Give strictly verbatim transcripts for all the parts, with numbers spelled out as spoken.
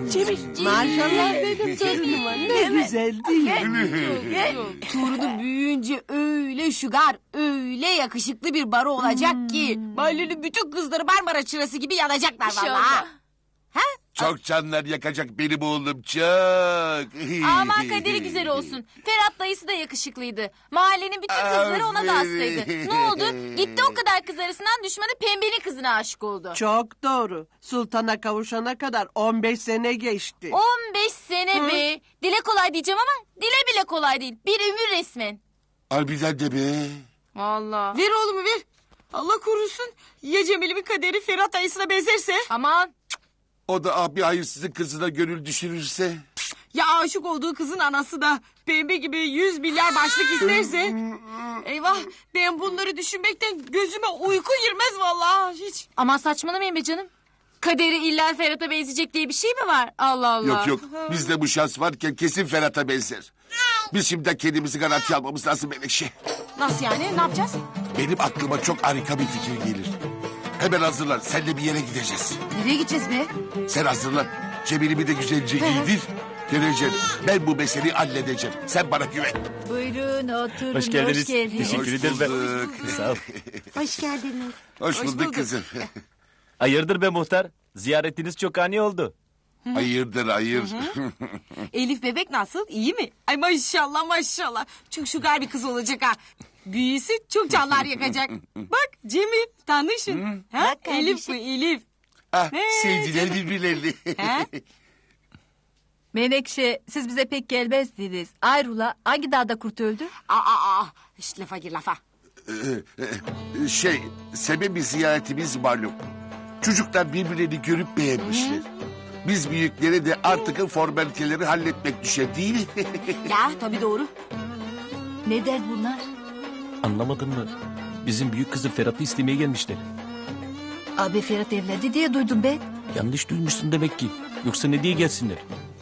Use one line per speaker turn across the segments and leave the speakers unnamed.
Cemil. Maşallah benim torunuma. Ne güzel değil mi?
Torunu büyüyünce öyle şugar, öyle yakışıklı bir baro olacak ki... ...mahallenin bütün kızları Marmara çırası gibi yanacaklar vallahi. Ha?
Çok canlar yakacak benim oğlum çok.
Aman kaderi güzel olsun. Ferhat dayısı da yakışıklıydı. Mahallenin bütün kızları ona da hastaydı. Ne oldu? Gitti o kadar kız arasından düşmanı pembenin kızına aşık oldu.
Çok doğru. Sultana kavuşana kadar on beş sene geçti.
on beş sene be. Dile kolay diyeceğim ama dile bile kolay değil. Bir ömür resmen.
Harbiden de be.
Allah.
Ver oğlumu ver. Allah korusun. Ya Cemil'imin kaderi Ferhat dayısına benzerse?
Aman.
O da abi hayırsızın kızına gönül düşürürse.
Ya aşık olduğu kızın anası da pembe gibi yüz milyar başlık isterse? Eyvah, ben bunları düşünmekten gözüme uyku girmez vallahi hiç.
Aman saçmalamayın be canım. Kaderi illa Ferhat'a benzeyecek diye bir şey mi var? Allah Allah.
Yok yok bizde bu şans varken kesin Ferhat'a benzer. Biz şimdi kendimizi garantiye almamız lazım Menekşe.
Nasıl yani, ne yapacağız?
Benim aklıma çok harika bir fikir gelir. Hemen hazırlan senle bir yere gideceğiz.
Nereye gideceğiz be?
Sen hazırlan. Cemil'imi de güzelce giydir. Göreceğim. Ben bu meseleyi halledeceğim. Sen bana güven.
Buyurun oturun.
Hoş geldiniz.
Hoş geldiniz.
Teşekkür
Hoş
ederim ben.
bulduk.
Sağ ol.
Hoş geldiniz.
Hoş,
Hoş
bulduk,
bulduk.
kızım.
Hayırdır be muhtar? Ziyaretiniz çok ani oldu.
Hayırdır hayır.
Elif bebek nasıl, iyi mi? Ay maşallah maşallah. Çok şugar bir kız olacak ha. Büyüsü çok canlar yakacak. Bak Cemil, tanışın. Ha?
Bak kardeşim.
Elif bu Elif.
ah,
He,
sevdiler birbirlerini.
Ha?
Menekşe siz bize pek gelmezdiniz. Ayrula hangi dağda kurt öldü?
Aa, aa, aa. İşte lafa gir lafa.
şey, sebebi ziyaretimiz malum. Çocuklar birbirlerini görüp beğenmişler. Biz büyüklere de artık formaliteleri halletmek düşer değil mi?
Ya tabii doğru.
Ne der bunlar?
Anlamadın mı? Bizim büyük kızı Ferhat'ı istemeye gelmişler.
Abi Ferhat evlendi diye duydum ben.
Yanlış duymuşsun demek ki. Yoksa ne diye gelsinler?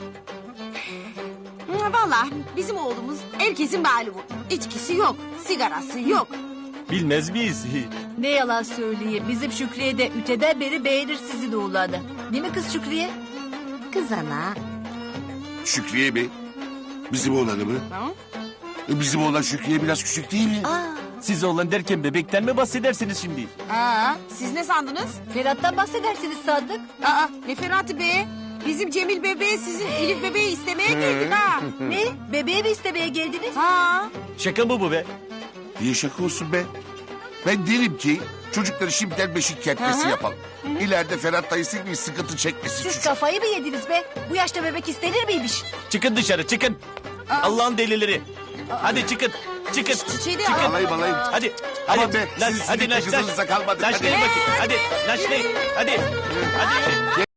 Ha, vallahi bizim oğlumuz herkesin malumu. İçkisi yok, sigarası yok.
Bilmez miyiz?
Ne yalan söyleyeyim. Bizim Şükriye de üteden beri beğenir sizin oğlanı. Değil mi kız Şükriye?
Kız ana.
Şükriye mi? Bizim oğlanı mı?
Ha?
E, Bizim oğlan Şükriye biraz küçük değil mi?
Siz oğlan derken bebekten mi bahsedersiniz şimdi?
Aa, siz ne sandınız?
Ferhat'tan bahsedersiniz sandık.
Aa, ne Ferhat'ı be? Bizim Cemil bebeği sizin Elif bebeği istemeye geldik ha.
Ne? Bebeği mi istemeye geldiniz?
Ha?
Şaka mı bu be?
Niye şaka olsun be? Ben derim ki çocukları şimdiden beşik kertmesi
Hı hı.
yapalım. İleride Ferhat dayısı gibi sıkıntı çekmesin
Siz
çocuk.
kafayı mı yediniz be? Bu yaşta bebek istenir miymiş?
Çıkın dışarı çıkın. Allah'ın delileri. Hadi çıkın. Çıkın.
Çiçeği de
Çıkın.
Alayım alayım.
Hadi.
Aman
Hadi.
be,
Naş,
sizin
hadi
sürekli
naş naş.
kızınıza kalmadık.
Naşlayın
Hadi.
bakayım. Hadi. Naşlayın. Hadi. Hadi.